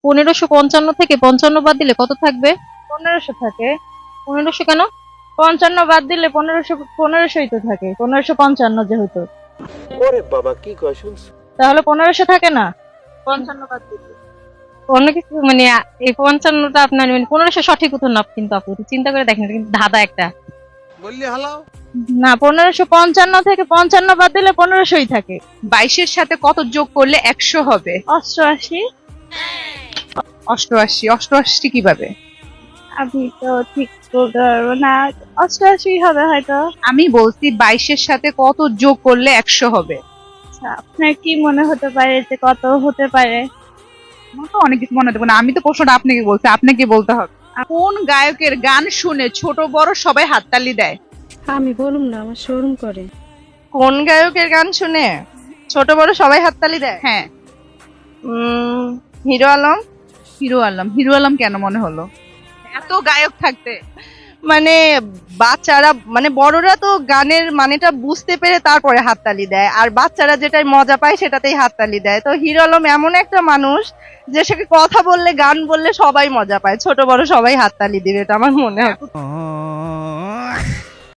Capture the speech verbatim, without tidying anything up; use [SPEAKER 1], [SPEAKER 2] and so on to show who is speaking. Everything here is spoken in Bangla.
[SPEAKER 1] পনেরোশো পঞ্চান্ন থেকে পঞ্চান্ন বাদ দিলে কত থাকবে?
[SPEAKER 2] পনেরোশো থাকে।
[SPEAKER 1] পনেরোশো কেন?
[SPEAKER 2] পঞ্চান্ন বাদ দিলে পনেরোশো পনেরোশোই তো থাকে, পনেরোশো পঞ্চান্ন যেহেতু।
[SPEAKER 3] ওরে বাবা কি কয় শুনছ?
[SPEAKER 2] তাহলে পনেরোশো থাকে না পঞ্চান্ন বাদ দিলে?
[SPEAKER 1] অন্য কিছু মানে আ- এই পঞ্চান্নটা আপনার মানে পনেরোশো সঠিক উত্তর না, কিন্তু আপু একটু চিন্তা করে দেখেন, এটা কিন্তু ধাঁধা একটা।
[SPEAKER 3] বললি হালাও।
[SPEAKER 2] না, পনেরোশো পঞ্চান্ন থেকে পঞ্চান্ন বাদ দিলে পনেরোশোই থাকে।
[SPEAKER 4] বাইশের সাথে কত যোগ করলে একশো হবে?
[SPEAKER 2] অষ্টআশি।
[SPEAKER 4] অষ্টআশি। অষ্টআশি কিভাবে?
[SPEAKER 2] আমি তো ঠিক বলতে পারবো না, অষ্টআশি হবে হয়তো।
[SPEAKER 4] আমি বলছি বাইশের সাথে কত যোগ করলে একশো হবে।
[SPEAKER 2] আচ্ছা, আপনার কি মনে হতে পারে যে কত হতে পারে?
[SPEAKER 4] আমার তো অনেক কিছু মনে দেবো না, আমি তো প্রশ্নটা আপনাকে বলছি, আপনাকে বলতে হবে। কোন গায়কের গান শুনে ছোট বড় সবাই হাততালি দেয়?
[SPEAKER 5] আমি বলুম না, আমার শোরুম করে।
[SPEAKER 1] কোন গায়কের গান শুনে ছোট বড় সবাই হাততালি দেয়?
[SPEAKER 4] হ্যাঁ,
[SPEAKER 1] উম হিরো আলম।
[SPEAKER 4] হিরো আলম। হিরো আলম কেন মনে হলো? এত গায়ক থাকতে।
[SPEAKER 1] মানে বাচ্চারা মানে বড়রা তো গানের মানেটা বুঝতে পেরে তারপরে হাততালি দেয়, আর বাচ্চারা যেটাই মজা পায় সেটাতেই হাততালি দেয়। তো হিরো আলম এমন একটা মানুষ যে সে কথা বললে গান বললে সবাই মজা পায়, ছোট বড় সবাই হাততালি দিবে, এটা আমার মনে হয়।